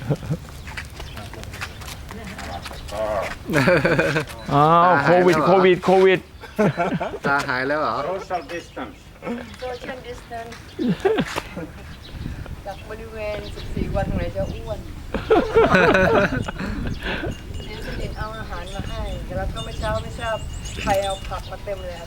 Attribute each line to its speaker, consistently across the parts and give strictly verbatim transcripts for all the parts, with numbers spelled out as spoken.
Speaker 1: อ้าวโควิดโควิดโควิด
Speaker 2: ตาหายแล้วเหรอ
Speaker 3: Social distance
Speaker 4: social distance จากบริเวณสิบสี่วันไหนจะอ้วนเดี๋ยวจะดินเอาอาหารมาให้แต่แล้วก็ไม่เช้าไม่ทราบใครเอาผักมาเต็มเลย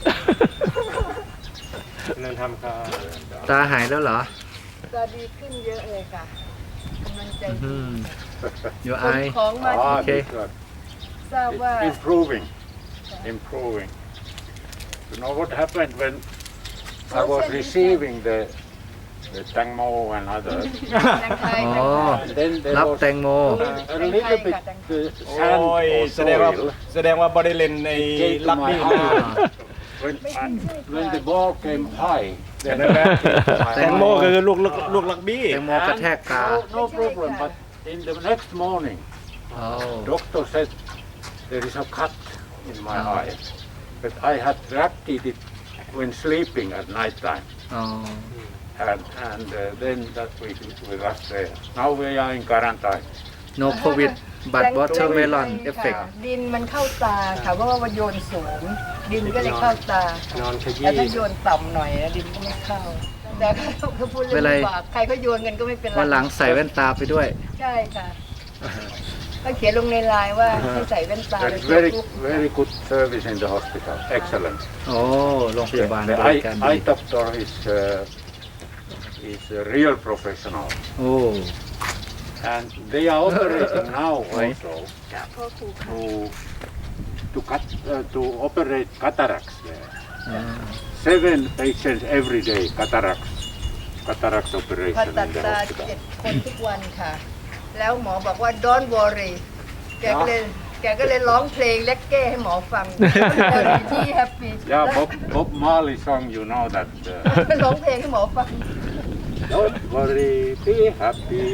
Speaker 3: เริ่มทำครับ
Speaker 2: ตาหายแล้วเหรอ
Speaker 4: จะดีขึ้นเยอะเลยค่ะกำลังใจดี
Speaker 2: อยู่
Speaker 4: ค
Speaker 2: ไอน
Speaker 4: ของมา
Speaker 3: Ah,
Speaker 2: Okay.
Speaker 3: good.
Speaker 4: ทราบว่า
Speaker 3: It's improving, improving. You know what happened when I was receiving the the tangmo and others?
Speaker 4: แตงไทย
Speaker 2: อ๋อ
Speaker 3: Then there
Speaker 2: รับ
Speaker 3: was
Speaker 2: แตงโม
Speaker 3: a little bit uh,
Speaker 5: โอ้
Speaker 3: sand
Speaker 5: ย
Speaker 3: or
Speaker 5: แสดงว่า
Speaker 3: soil.
Speaker 5: แสดงว่าบริเลนใน
Speaker 3: Came to
Speaker 5: ลัก
Speaker 3: my
Speaker 5: บี้นะ
Speaker 3: heart. When, I, when the ball came high, then it came to my
Speaker 5: แตงโม
Speaker 3: heart.
Speaker 5: คือลูกลูกลูกลักบี้
Speaker 2: แตงโมกระแทกตา
Speaker 3: No, no problem. But in the next morning,
Speaker 2: อ๋อ
Speaker 3: doctor said there is a cut in my
Speaker 2: Oh.
Speaker 3: eye. But I had reacted it when sleeping at night time.
Speaker 2: อ๋อ
Speaker 3: And, and uh, then that we, we left there. Now we are in quarantine.
Speaker 2: no covid but watermelon
Speaker 4: ค่ะ
Speaker 2: effect
Speaker 4: ดินมันเข้าตาค่ะเพราะว่ามันโยนสูง ดินก็เลยเข้าตาค่ะ
Speaker 5: นอนขยี้
Speaker 4: แต่ถ้าโยนต่ำหน่อยนะดินก็ไม่เข้า แต่ถ้าพูดเรื่อง
Speaker 2: ไม่เป็นไร
Speaker 4: บาปใครก็โยนกันก็ไม่เป็นไร
Speaker 2: วันหลังใส่แว่นตาไปด้วย
Speaker 4: ใช่ค่ะก็เขียนลงในไลน์ว่าให้ใส่แว่นตา
Speaker 3: That's very, very good service in the hospital. Excellent.
Speaker 2: โอ้โรงพยาบาล
Speaker 3: The
Speaker 2: บริ
Speaker 3: eye,
Speaker 2: การ
Speaker 3: eye
Speaker 2: ดี
Speaker 3: doctor is, uh, is a real professional.
Speaker 2: โอ้
Speaker 3: And they are operating now
Speaker 2: Right.
Speaker 3: also to, to, cut, uh, to operate cataracts there.
Speaker 2: อ่า
Speaker 3: Seven patients every day, cataracts, cataracts
Speaker 4: ผ่า
Speaker 3: operation
Speaker 4: ตัด
Speaker 3: in the
Speaker 4: ตา
Speaker 3: hospital.
Speaker 4: เจ็ดคนทุกวันค่ะ แล้วหมอบอกว่า don't worry แกก็เลยแกก็เลยร้องเพลงเล็กเก้ให้หมอฟังที่แฮปปี้
Speaker 3: Yeah, Bob, Bob Marley song, you know that. Uh,
Speaker 4: ร้องเพลงให้หมอฟัง
Speaker 3: Don't worry, be happy.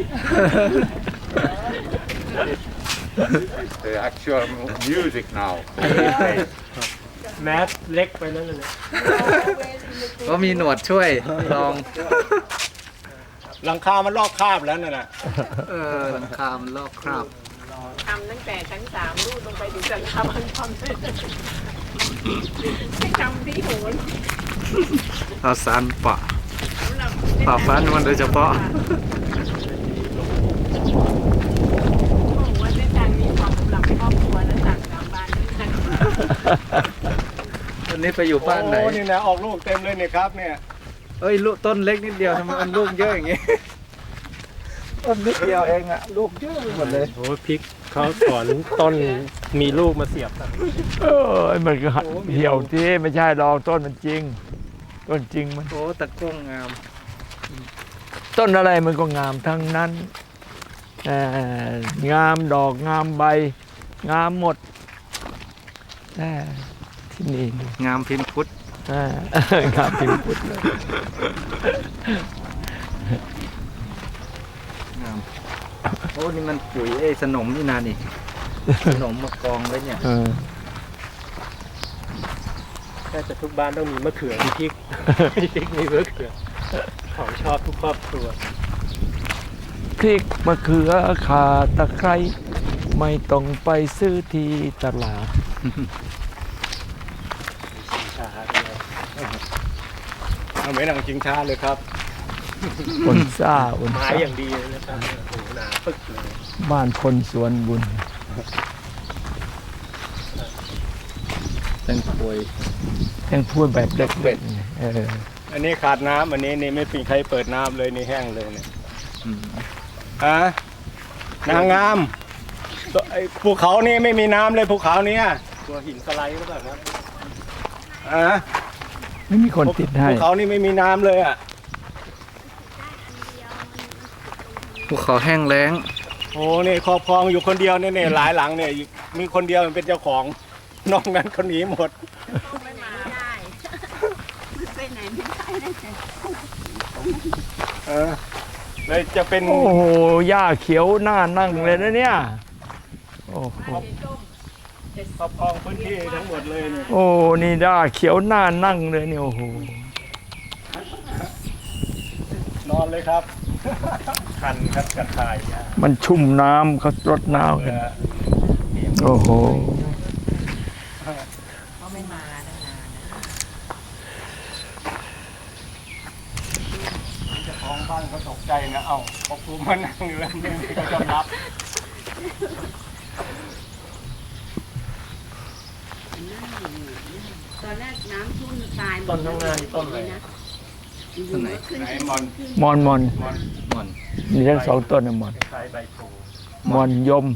Speaker 3: It's the actual mu- music now.
Speaker 5: แมสเล็กไปนั่นเลย
Speaker 2: ก็มีหนวดช่วยลอง
Speaker 5: หลังคามันลอกคราบแล้วนั่นน่ะ
Speaker 2: เออหลังคามันลอกคราบ
Speaker 4: ทำตั้งแต่ชั้นสามรูดลงไปถึงชั้นสามมันทำให้ทำที่โหน
Speaker 2: เอาสารปะปะฟันมันโดยเฉพาะ
Speaker 4: บอกว่าเส้นทางนี้เหมาะสำหรับครอบครัวและต่างกลับบ้านด้วยกัน
Speaker 2: วันนี้ไปอยู่บ้านไหน
Speaker 5: โอ้นี่นะออกลูกเต็มเลยเนี่ยครับเนี่ย
Speaker 2: เอ้ยลูกต้นเล็กนิดเดียวทำไมมันลูกเยอะอย่างงี้ ต้นนิดเดียวเองอะลูกเยอะไปหมดเลย
Speaker 5: โอ้พริกเขาถอนต้นมีลูกมาเสียบ
Speaker 1: เออมันก็เหี่ยวที่ไม่ใช่ดอกต้นมันจริง ต้นจริงมัน
Speaker 2: โอ้ตะกร้งงาม
Speaker 1: ต้นอะไรมันก็งามทั้งนั้นเอ่องามดอกงามใบ งามหมดแต่ที่นี่
Speaker 2: งามพิมพ์พุทธ
Speaker 1: อ่างามพิมพ์พุทธเลย
Speaker 2: งามโอ้นี่มันปุ๋ยไอ้สนมนี่นานี่สนมมากองไว้เนี่ย
Speaker 1: เออ
Speaker 5: แค่จะทุกบ้านต้องมีมะเขือมีพริก มีพริกมีมะเขือของชอบทุกครอบครัว
Speaker 1: พริกมะเขือข่าตะไคร้ไม่ต้องไปซื้อที่ตลาด
Speaker 5: ชาเอาไม่นั่งชิงช้าเลยครับ
Speaker 1: คนซ่าคน
Speaker 5: ไม้
Speaker 1: ซ่า
Speaker 5: อย่างดีเลยนะครับโอ้โหหนาปึกเลย
Speaker 1: บ้านคนสวนบุญ
Speaker 2: แตงกวย
Speaker 1: ยังพูดแบบเด็กๆไงเออ
Speaker 5: อันนี้ขาดน้ำอันนี้นี่ไม่มีใครเปิดน้ำเลยนี่แห้งเลยเนี่ย
Speaker 2: อืม
Speaker 5: ฮะนางงามตัวไอ้ภูเขานี่ไม่มีน้ำเลยภูเขาเนี้ยตัวหินสไลด์หรือเปล่าครับอ่ะ
Speaker 1: ไม่มีคนติดให้
Speaker 5: ภูเขานี่ไม่มีน้ำเลยอ่ะ
Speaker 2: ภูเขาแห้งแล้ง
Speaker 5: โอ้นี่ครอบครองอยู่คนเดียวเนี่ยเนี่ยหลายหลังเนี่ยมีคนเดียวเป็นเจ้าของนอกนั้นคนหนีหมด
Speaker 4: ไม่มาได้ไปไหนไม่ได้เลย
Speaker 5: เออเลยจะเป็น
Speaker 1: โอ้โหหญ้าเขียวหน้านั่งเลยนะเนี่ยโอ้โห
Speaker 5: ครอบครองพื้นที่ทั้งหมดเลยเนี่ย
Speaker 1: โอ้นี่หญ้าเขียวหน้านั่งเลยเนี่ยโอ้โห
Speaker 5: นอนเลยครับคันครับกระทายยา
Speaker 1: มันชุ่มน้ำเขารดน้ำกัน โอ้โห
Speaker 6: เขาไม่มาตั้งนาน
Speaker 5: เจ้าของบ้านเขาตกใจนะเอ้าพอกูมานั่งอยู่แล้วนี่เขาจะรับ
Speaker 6: ตอนแรกน้ำท่วมตาย
Speaker 5: ต้นทั้งงานต้นเลย
Speaker 6: นะ
Speaker 5: ต้นไหนไหนมอน
Speaker 1: มอนมอน
Speaker 5: มอนมอน
Speaker 1: มีทั้งสองต้นนะมอน
Speaker 5: คล้ายใบโพ
Speaker 1: มอนยม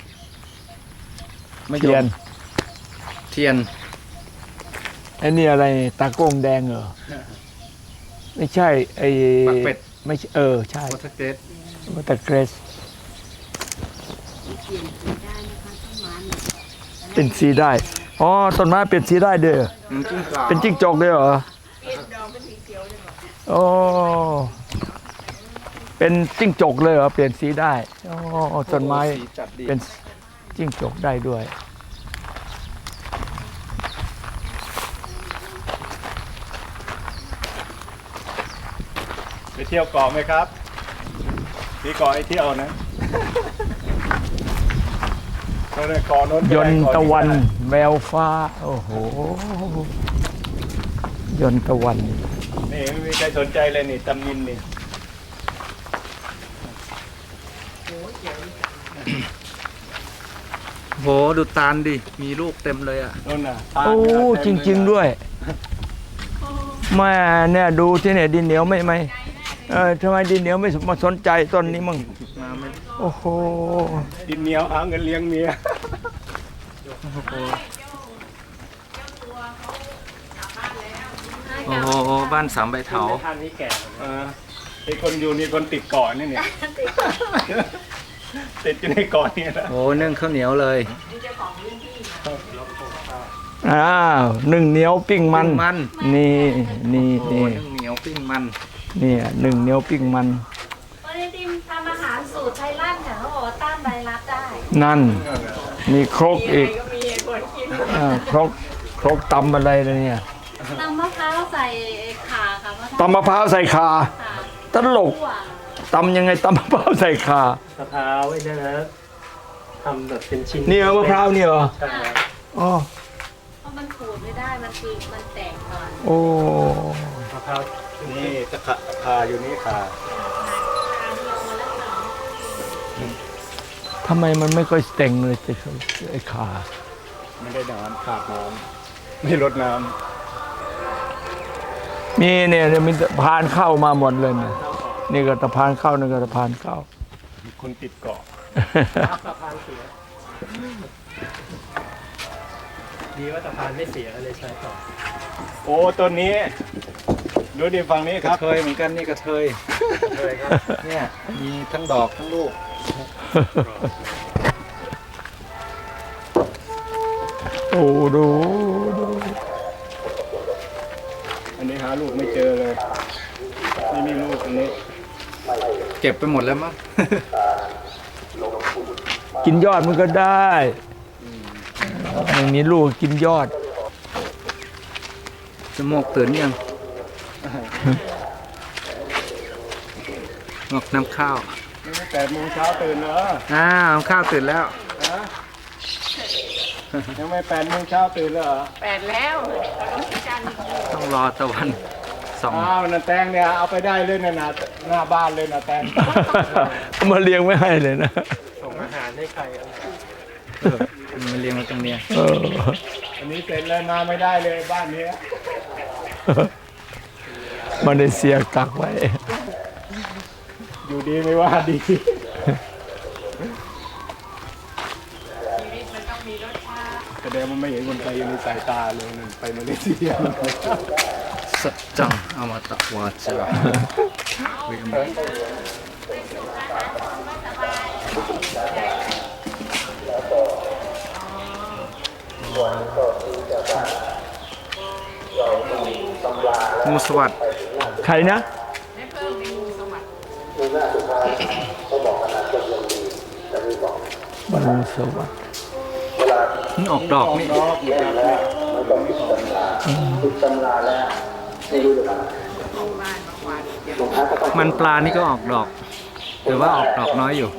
Speaker 2: ไม่
Speaker 1: เทียน
Speaker 2: เทียน
Speaker 1: ไอ้นี่อะไรตาโก้งแดงเหรอ ไม่ใช่ไอ้
Speaker 2: ปักเป็ด
Speaker 1: ไม่ใช่เออ ใช่
Speaker 2: วอเตอร์เกรด
Speaker 1: วัตเกรส
Speaker 6: เปลี่ยนสีได้นะคะต้นไม้เนี่ย
Speaker 1: เป็นสีได้ อ๋อ ต้นไม้เป็นสีได้เด้อ
Speaker 2: จิ้งจอก
Speaker 1: เป็นจิ้งจกด้วยเหรอ
Speaker 4: เปลี่ยนดอกเป็นสีเขียวเลยบอก
Speaker 1: โอ้ เป็นจิ้งจกเลยเหรอ เปลี่ยนสีได้อ๋อต้นไม้
Speaker 2: สีจัดดี
Speaker 1: เป็นจิ้งจกได้ด้วย
Speaker 5: ไปเที่ยวเกาะไหมครับมีเกาะไอเที่ยวนะก็เลยเกาะโน้น
Speaker 1: ยนต์ตะวันแววฟ้า โอ้โห ยนต์ตะวัน
Speaker 5: นี่ไม่มีใครสนใจเลยนี่ตำนินนี่
Speaker 2: โหดูตาลดิ มีลูกเต็มเลยอ่ะ
Speaker 5: โน่นน่ะ
Speaker 1: โอ้ จริง ๆ ด้วย แม่เนี่ยดูที่เนี่ยดินเหนียวไม่ไม่เออทำไมดินเหนียวไม่มาสนใจต้นนี้มั่ง
Speaker 2: มาไม่
Speaker 1: โอ้โห
Speaker 5: ดินเหนียวหาเงินเลี้ยงเมีย
Speaker 2: โอ้โหบ้านสามใบเถา
Speaker 5: ท่านนี้แก่เออไอคนอยู่นี่คนติดเกาะนี่เนี่ยติดอยู่ในเกาะนี่นะ
Speaker 2: โอ้นึ่งข้าวเหนียวเลย
Speaker 1: อ้าวหนึ่งเหนียวปิ้งมัน
Speaker 2: ปิ้งมัน
Speaker 1: นี่นี่
Speaker 2: โอ้
Speaker 1: นี่
Speaker 2: นึ่งเหนียวปิ้งมัน
Speaker 1: เนี่ยหนึ่งเหนียวปิ้งมัน
Speaker 7: วันนี้ทีมทำอาหารสูตรไทยรัฐค่ะเขาบอกว่าต้านไวรัสได้
Speaker 1: นั่น มีครกอีก
Speaker 4: ก็มีเหตุผลคิด
Speaker 1: อ่าครกครกตำอะไรเลยเนี่ย
Speaker 7: ตำมะพร้าวใส่ข่าค่ะ
Speaker 1: ตำมะพร้าวใส่คา
Speaker 7: ข่า
Speaker 1: ตลก
Speaker 7: คั่ว
Speaker 1: ตำยังไงตำมะพร้าวใส่คาม
Speaker 5: ะพร้าวไอ้นี่นะทำแบบเป็นชิ้น
Speaker 1: นี่เหรอมะพร้าวนี่เหรอ
Speaker 5: ใช่
Speaker 1: อ๋อ
Speaker 7: เพราะมันขูดไม่ได้มันคือมันแตกก่อน
Speaker 1: โอ้
Speaker 5: มะพร้าวนี่ตะขะคาอยู่นี่ค่ะ
Speaker 1: ทำไมมันไม่ค่อยเต็งเลยไอ้ขา
Speaker 5: ไม่ได้น้ำขาดน้ำไม่ลดน้
Speaker 1: มีเนี่ยเนี่ยมีสะพานเข้ามาหมดเลยเนี่ยนี่ก็สะพานเข้านี่ก็สะพานเข้า
Speaker 5: ำคนติดเกาะ
Speaker 8: ดีว่าสะพานไม่เสียเลยใช้ต่อ
Speaker 5: โอ้ต้นนี้ดูดิฝั่งนี้
Speaker 2: ก
Speaker 5: ค
Speaker 2: ระ
Speaker 5: รับ
Speaker 2: เทยเหมือนกันนี่กระเทยเนี่ยมีทั้งดอกทั้งลูก
Speaker 1: โอ้ดูดู
Speaker 5: อันนี้หาลูกไม่เจอเลยไม่มีลูกอันนี้
Speaker 2: เก็บไปหมดแล้วมั้ง
Speaker 1: กินยอดมันก็ได้ไม่มีลูกกินยอด
Speaker 2: จมูกตื่นยังงอกน้ำข้าว
Speaker 5: นี่แปดโมงเช้าตื่นเหรอ
Speaker 2: อ้าวน้ำข้าวตื่นแล้ว
Speaker 5: ฮะยังไม่แปดโมงเช้าตื่นเหรอ
Speaker 4: แปดแล้วต้องพิจารณา
Speaker 2: ต้องรอตะวันสอง
Speaker 5: อ้าวนันแตงเนี่ยเอาไปได้เลยนะนะหน้าบ้านเลยนะแตง
Speaker 1: เอามาเลี้ยงไม่ให้เลยนะ
Speaker 8: ส่งอาหารให้ใครอะไร
Speaker 2: เออมันเลี้ยงมาตรงเนี้ย
Speaker 1: เออ
Speaker 5: อันนี้เสร็จแล้วมาไม่ได้เลยบ้านเนี้ย
Speaker 1: มาเลเซียกักไว้
Speaker 5: อยู่ดีไม่ว่าดี แสดงมันไม่เห็นคนไทยอยู่ในสายตาเลยนั่นไปมาเลเซีย
Speaker 2: สัจจังอมตะวาจาเวมงูสวัสด
Speaker 1: ใครนะ บรรสวัสดิ์
Speaker 2: นี่ออกดอกนี่
Speaker 5: รอบอยู่ครับเนี่ย
Speaker 4: บ้านมากวาดเก็บ
Speaker 2: มันปลานี่ก็ออกดอกแต่ว่าออกดอกน้อยอยู่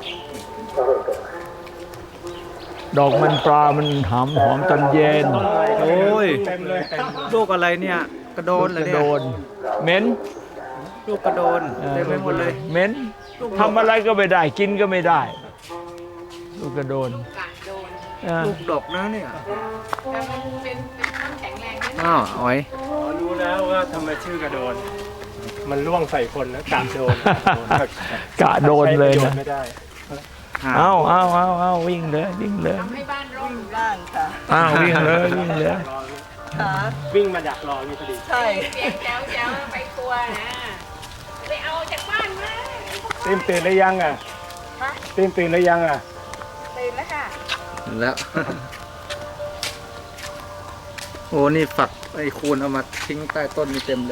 Speaker 1: ดอกมันปลามันหอมหอมตอนเย็น
Speaker 2: โอ้ย
Speaker 5: เต็มเลย
Speaker 2: ลูกอะไรเนี่ย กระโดนเลย
Speaker 1: กระ
Speaker 2: เนี่
Speaker 1: โด
Speaker 2: ย
Speaker 1: นเหม็น
Speaker 2: ลูกกระโดนเต็มไปหมดเลย
Speaker 1: เหม็นทำอะไรก็ไม่ได้กินก็ไม่ได้ ลูกกระโดน
Speaker 4: กะโดน
Speaker 1: อ่า
Speaker 2: ลูกดกนะเนี่ย
Speaker 4: แต่มันเป็นเป็นต้นแข็งแรงด้วยนะ
Speaker 2: อ้าวอ๋อย
Speaker 8: อ๋อรู้แล้วว่าทำไมชื่อกระโดน มันล่วงใส่คนนะกะโดน
Speaker 1: กะโดนเลย
Speaker 8: ใช้ประโช
Speaker 1: นะ
Speaker 8: น์ไม่ได้
Speaker 1: เอาเอาเอาเอาวิ่งเลยวิ่งเลย
Speaker 4: ทำให้บ้านร่มบ้านค่ะ
Speaker 1: อ้าววิ่งเลยวิ่งเลย
Speaker 4: ค่ะ
Speaker 8: วิ่งมาดักรอนี่พอดี
Speaker 4: ใช่
Speaker 7: เสียงแจ๋วแจ๋วไปกลัวนะไปเอาจากบ้านมา
Speaker 5: ตีมตื่นหรือยังอ่ะตีมตื่นหรือยังอ่ะ
Speaker 7: ตื่นแล้วค่ะ
Speaker 2: แล้ว โอ้นี่ฝักไอ้คูณเอามาทิ้งใต้ต้นนี่เต็มเลย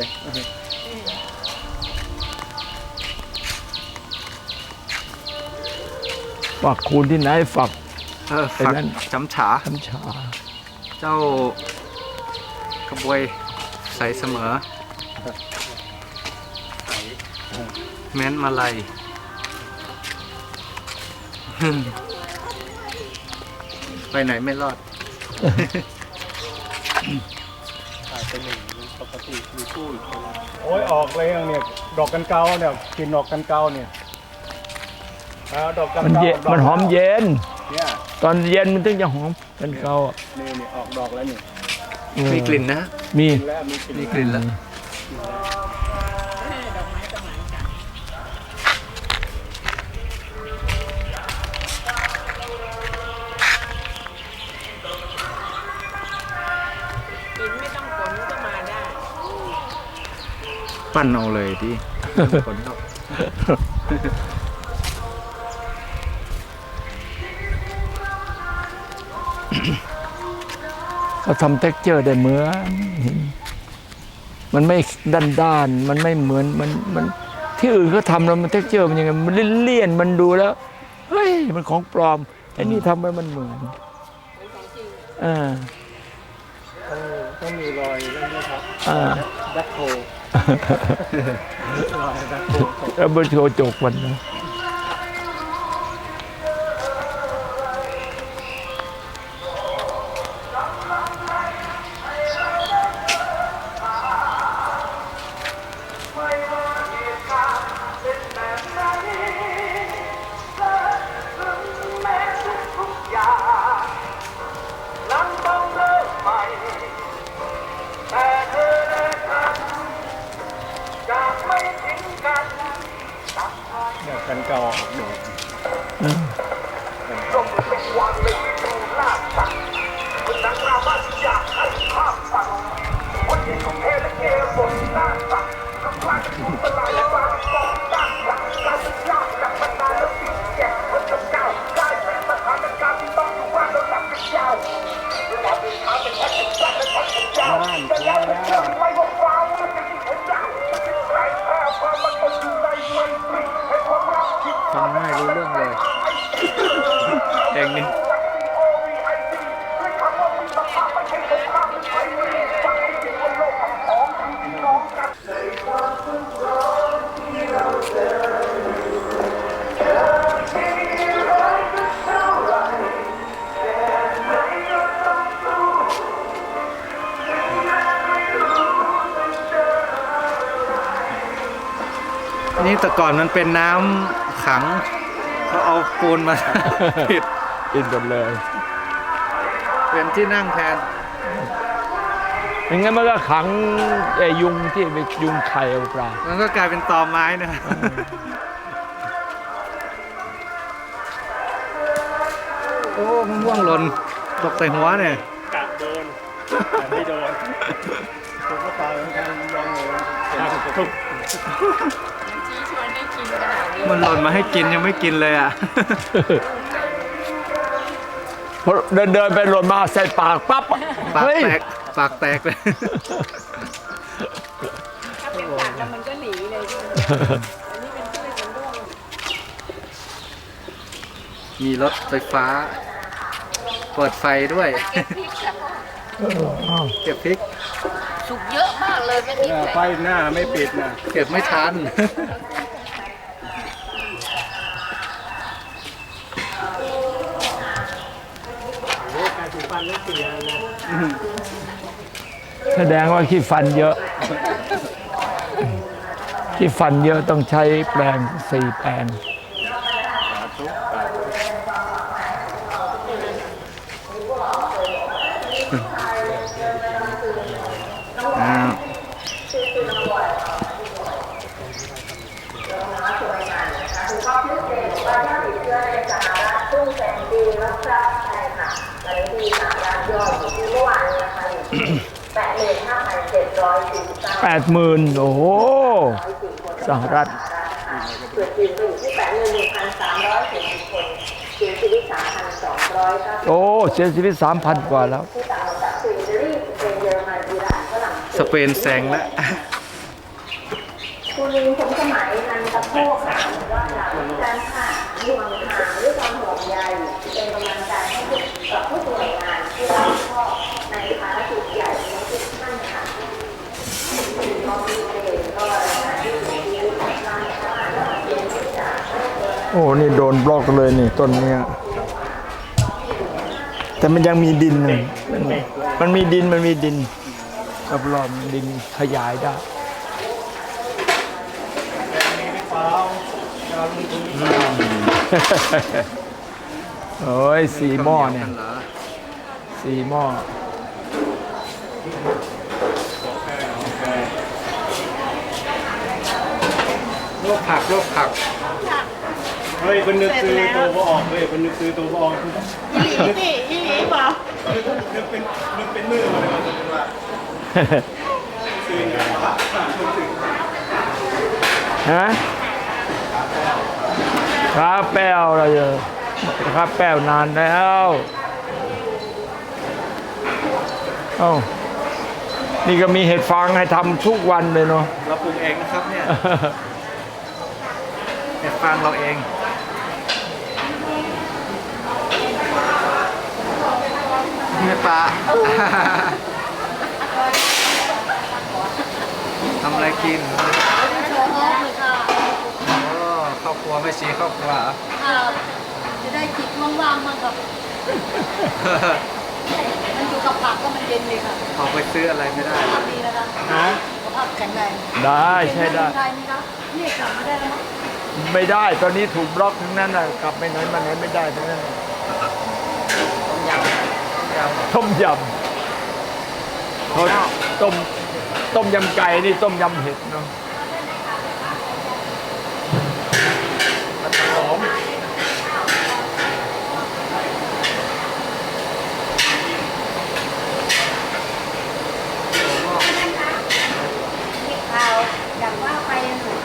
Speaker 1: ฝักคูณที่ไหนฝัก
Speaker 2: เออ
Speaker 1: ไอ้
Speaker 2: ฝัก
Speaker 1: นั่น
Speaker 2: จำฉา
Speaker 1: น้ำชา
Speaker 2: เจ้ากระบวยใสเสมอ แม้นมาลัย ไปไหนไม่รอด
Speaker 8: อาจจะหนึ่งปกติมีคู่อีกคน
Speaker 5: โอ้ยออกเลยเนี่ยดอกกันเกาเนี่ยกินดอกกันเกาเนี่ยเอาดอกกัน
Speaker 1: มัน
Speaker 5: เกา
Speaker 1: เย็น
Speaker 5: ดอก
Speaker 1: มันหอมเย็น
Speaker 5: เนี่ย
Speaker 1: ตอนเย็นมันถึงจะหอมเป็นเกาอ่ะ
Speaker 5: นี่นี่ออกดอกแล้วนี่
Speaker 1: เออ
Speaker 2: มีกลิ่นนะ
Speaker 1: มี
Speaker 5: กินแล้วมีกลิ่น
Speaker 2: มีกลิ่นแล้ว
Speaker 4: กินไม่ต้องฝนก็มาได้
Speaker 2: ปั้นเอาเลยที่ผลดอก
Speaker 1: เขาทำเท็กเจอร์ได้เหมือนมันไม่ด้านด้านๆมันไม่เหมือนมันมันที่อื่นเขาทำแล้วมันเท็กเจอร์มันยังไงมันเลี่ยนๆมันดูแล้วเฮ้ยมันของปลอมไอ้นี่ทำให้มันเหมือนอ่า
Speaker 8: ต้องต้องมีรอยนั่นด้วยครับ
Speaker 1: อ่า
Speaker 8: แบ็คโฮรอยแบ็คโฮตก
Speaker 1: แล้วมันโชว์จกมันนะ
Speaker 5: ดอกกันเกาออกดอก
Speaker 1: อืม
Speaker 2: ฟังง่ายรู้เรื่องเลยเพลงนี้ นี่แต่ก่อนมันเป็นน้ำขังเขาเอาปูนมา ปิด
Speaker 1: กินหมดเลย
Speaker 2: เป็นที่นั่งแทน
Speaker 1: อย่างงั้นมันก็ขังไอ้ยุงที่ไปยุงไข่เอาปลา
Speaker 2: มันก็กลายเป็นตอไม้นะโอ้มะม่วงหล่นตกใส่หัวเนี่ย
Speaker 8: กะโดนแต่ไม่โดน
Speaker 5: ผมก็ตายเหมือนกันลองเลย
Speaker 8: ทุก
Speaker 4: ชี้ชวนให้กินขนาดนี้
Speaker 2: มันหล่นมาให้กินยังไม่กินเลยอ่ะ
Speaker 1: พอเดินเดินไปหล่นมาใส่ปากปั๊บอะ
Speaker 2: ปาก
Speaker 1: เฮ้ย
Speaker 2: แตก ปากแตกเลย
Speaker 4: ถ้าเป็นสัตว์แล้วมันก็หนีเลยใช่ไหมอันนี้เป็นพืชมันร่วง
Speaker 2: มีรถไฟฟ้า เปิดไฟด้วย
Speaker 4: เก็บพริกค่ะ
Speaker 2: เก็บพริก
Speaker 7: สุกเยอะมากเลยไม่มี
Speaker 5: เออ
Speaker 7: ใค
Speaker 5: ไฟ
Speaker 7: ร
Speaker 5: หน้าไม่ปิดนะ
Speaker 2: เก็บไม่ทัน
Speaker 8: การถูฟันไม่เสียนะ
Speaker 1: แสดงว่าขี้ฟันเยอะขี้ฟันเยอะต้องใช้แปรงสี่แปรง
Speaker 2: อ่า
Speaker 1: แปดหมื่นโอ้โหสหรัฐโอ้เสียชีวิตสามพันกว่าแล้ว
Speaker 2: สเปนแซงแล้ว
Speaker 9: คุณลิงผมสมัยนันตะโพกค่ะว่าการผ่านห่วงหางด้วยความห่วงใยเป็นกำลังใจให้กับผู้หน่วยงานที่รับผิดชอบในภารกิจใหญ่ในทุกท่านค่ะมองดีเด่นก็รายงานที่ดีที่ทำงานเย็นจาก
Speaker 1: โอ้นี่โดนบล็อกเลยนี่ต้นเนี้ยแต่มันยังมีดินเลยมันมีดินมันมีดินกับรอบดินขยายได้โอ้ยสี่หม้อเนี่ยสี่หม้อ
Speaker 2: โรคผักโรคผัก
Speaker 5: เฮ้ยคนนึกซื้อตัวบ่ออกเฮ้ยคนนึกซื้อตัวบ่ออก
Speaker 7: อีหลีอีหลีเปล่า
Speaker 5: นึกเป็นนึกเป็นมือมาเลยว่าซื้อเงินผ่าคนถึง
Speaker 1: ฮะข้าแป้วอะไรเยอะข้าแป้วนานแล้วเอ้านี่ก็มีเห็ดฟางให้ทำทุกวันเลยเนาะ
Speaker 2: เราปลูกเองนะครับเนี่ยเห็ดฟางเราเองนี่ปลา ทำอะไรกินโอ้ครอบครัวไม่ชีครอบครัวเหรอ
Speaker 7: จะได้จิตว่างๆมากกับมันอยู่กับผักก็มันเย็นเลยค่ะ
Speaker 2: ออกไปซื้ออะไรไม่ได้
Speaker 7: ภาพดีนะคะ
Speaker 1: ฮะ
Speaker 7: สุขภาพแข็งแรง
Speaker 1: ได้ใช่ได้
Speaker 7: ใช่ไหมคะนี่กลับมาได้แล้วมั้ง
Speaker 1: ไม่ได้ตอนนี้ถูกบล็อกทั้งนั้นน่ะกลับไปไหนมาไหนไม่ได้ทั้งนั้นน่ะต้มยำเขาต้มต้มยำไก่นี่ต้มยำเห็ดเนาะหอม
Speaker 9: ข่าวอยากว่าไป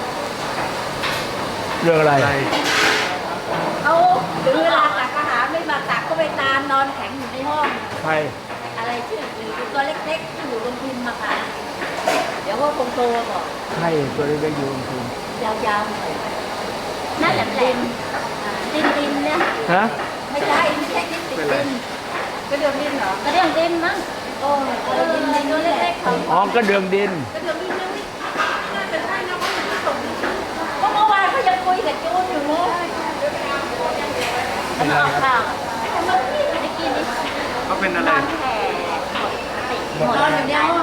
Speaker 1: เรื่องอะไร
Speaker 9: เขาถึงเวลาตักอาหารไม่มาตักก็ไปตามนอนแข็งอยู่ในห้อง
Speaker 1: ใคร
Speaker 9: อะไรชื่ออยู่ตัวเล็กๆที่อยู่โรงพิมพ์มาค่ะเดี๋ยวว่าคงโตก่อน
Speaker 1: ใครตัวเล็กๆอยู่บนพื้น
Speaker 9: ยาวๆหน่อยน่าจะดินดินดินเนี่ย
Speaker 1: ฮะ
Speaker 9: ไม่ใช่ไม่ใช่ดินติดดินกระเดื่องดินเหรอกระเดื่องดินมั้งโอ้กระเดื่องดินตัวเล็กๆของ
Speaker 1: อ๋อกระเดื่องดิน
Speaker 9: กระเดื่องดินนี่น่าจะใช่นะเพราะมันส่งเพราะเมื่อวานเขายังคุยกับจูนอยู่เลยมันออกข่าวแต่เมื่อกี้ไม่ได้กินนี่
Speaker 2: เขาเป็นอะไร
Speaker 9: นอนแผ่หมดนอนอย่างเดียวน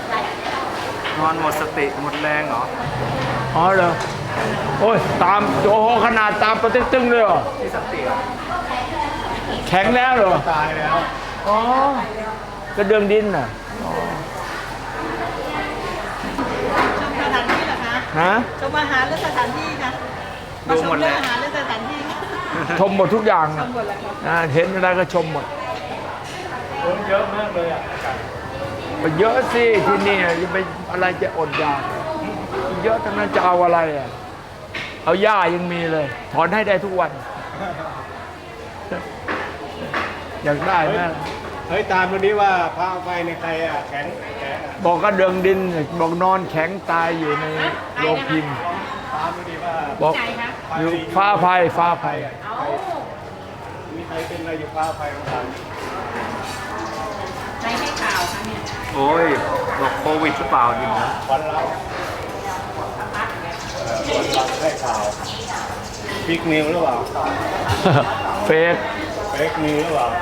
Speaker 2: อนหมดสติหมดแรงเหรอ
Speaker 1: อ๋อเหรอโอ้ยตามโอ้โหขนาดตามประตึ้งตึ้งเลยเหรอ
Speaker 2: ที่สติเหรอ
Speaker 1: แข็งแล้วเหรอ
Speaker 5: ตายแล้ว
Speaker 1: อ๋อกระเดื่องดินน่ะอ๋อ
Speaker 7: สถานที่เหรอคะ
Speaker 1: ฮะ
Speaker 7: ชมอาหารและสถานที่ค่ะ
Speaker 2: ดูหมดแล้ว
Speaker 7: อาหารและสถานที่ค่ะ
Speaker 1: ชมหมดทุกอย่าง
Speaker 7: ชมหมดแล้วค่ะ
Speaker 1: อ่าเห็นอะไรก็ชมหมด
Speaker 8: คนเยอะมากเลยอ่ะ
Speaker 1: เยอะสิที่นี่จะไปอะไรจะอดอยากเยอะทั้งนั้นจะเอาอะไรอ่ะเอาหญ้ายังมีเลย ถอนให้ได้ทุกวัน อยากได้ไหม
Speaker 5: เฮ้ยตามดูดิว่าพระไฟในใครอ่ะแข็งแข็งอ่ะ
Speaker 1: บอกก็เดืองดินบอกนอนแข็งตายอยู่ในโรงพิมพ์
Speaker 5: ตามดูดิว่า
Speaker 1: บอกอยู่ฟ้าภัยฟ้าภัย
Speaker 5: มีใครเป็นอะไรอยู่ฟ้าไฟของเรา
Speaker 7: ใครให้ข่าวคะเนี่ย
Speaker 2: โอ้ยบอกโควิดหรือเปล่าดินะ
Speaker 5: วันเราเอ่อวันเราให้ข่าวฟิกนิวหรือเปล่า
Speaker 1: เฟก
Speaker 5: เฟกนิวหรือเปล่า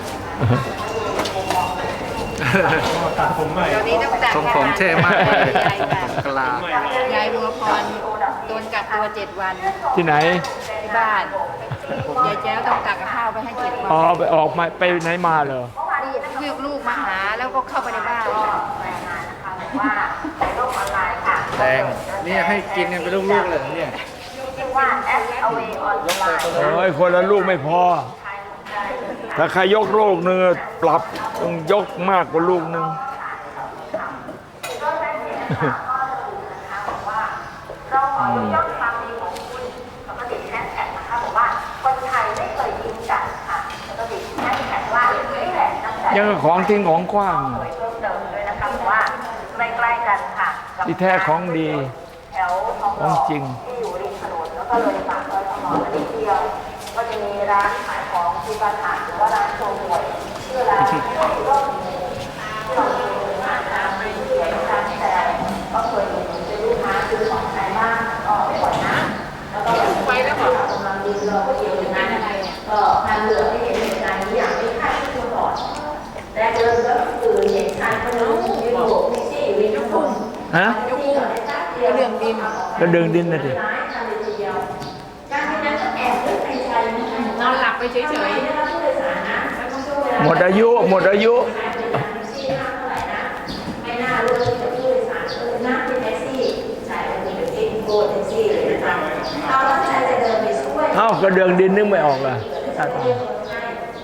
Speaker 8: ตัดผมใหม่
Speaker 7: เดี๋ยวนี้ต้องตัด
Speaker 2: ทรงผมเท่มากเลย
Speaker 7: ยายค่ะ
Speaker 2: กลา
Speaker 7: ยายบัวพรโดนกักตัวเจ็ดวัน
Speaker 1: ที่ไหน
Speaker 7: ที่บ้านยายแจ้วต้องกักข้าวไปให้เจ็ดวัน
Speaker 1: อ๋อไปออกมาไปไหนมาเหรอ
Speaker 7: ลูกลูกมาหาแล้วก็เข้าไปในบ้าน
Speaker 2: แดงนี่ให้กินกันเป็นลูกๆเลยเนี่ย
Speaker 1: โอ้ยคนละลูกไม่พอ ถ้าใครยกลูกหนึ่งปรับต้องยกมากกว่าลูกหนึ่ง
Speaker 9: เราขอยกความดีของคุณแล้วก็ติดแฮชแท็กนะคะบอกว่าคนไทยไม่เคยยิงกันค่ะแล้วก็ติดแฮชแท็กว่านี่แหละน้ำใจ
Speaker 1: ยังกับของทิ้งของกว้าง
Speaker 9: เพิ่มเติมด้วยนะคะบอกว่าใกล้ๆกันค่ะกับ
Speaker 1: ที่แท้ของดี
Speaker 9: แถวทองห
Speaker 1: ข
Speaker 9: ล่
Speaker 1: อง
Speaker 9: อ
Speaker 1: จริง
Speaker 9: ที่อยู่ริมถนนแล้วก็เลยปากซอยทองหล่อมานิดเดียว ก็จะมีร้านขายของที่บ้านอ่านหรือว่าร้านโชว์หวยชื่อร้านที่ร่มที่เราเคยเห็นร้านน้ำไม่เสียร้านแต่ก็เคยเห็นเป็นลูกค้าซื้อของใครบ้างก็ไม่บ่อยนะแล้วก็แบบไปแล้วบอกกำลังดีเราก็เกี่ยวกับนั้นอะไรเนี่ยก็ทานเหลือให้เห็นเหตุการณ์นี้อย่างไม่คาดคิดมาก่อนแต่เดินก็คือเห็นชายคนนึงยืนโบกแท็กซี่อยู่ริมถนน
Speaker 1: ฮะ
Speaker 9: ยกมือเรื่องดิน
Speaker 1: ก็ดึงดินนะดิ
Speaker 9: จากนั้นก็แอบนึกในใจ
Speaker 7: นอนหลับไปเฉย
Speaker 9: ไม่รับผู้โดยสารนะแล้วก็ช่วงเวลา
Speaker 1: หมดอายุหมดอายุ
Speaker 9: ไม่น่ารู้เลยกับผู้โดยสารเลยนั่งที่แท็กซี่ใช่มันมีเป็นโบแท็กซี่เลยนะคะเราตั้งใจจะเดินไปช่วย
Speaker 1: เอ้าก็เดืองดินนึกไม่ออกอ่ะ
Speaker 9: เ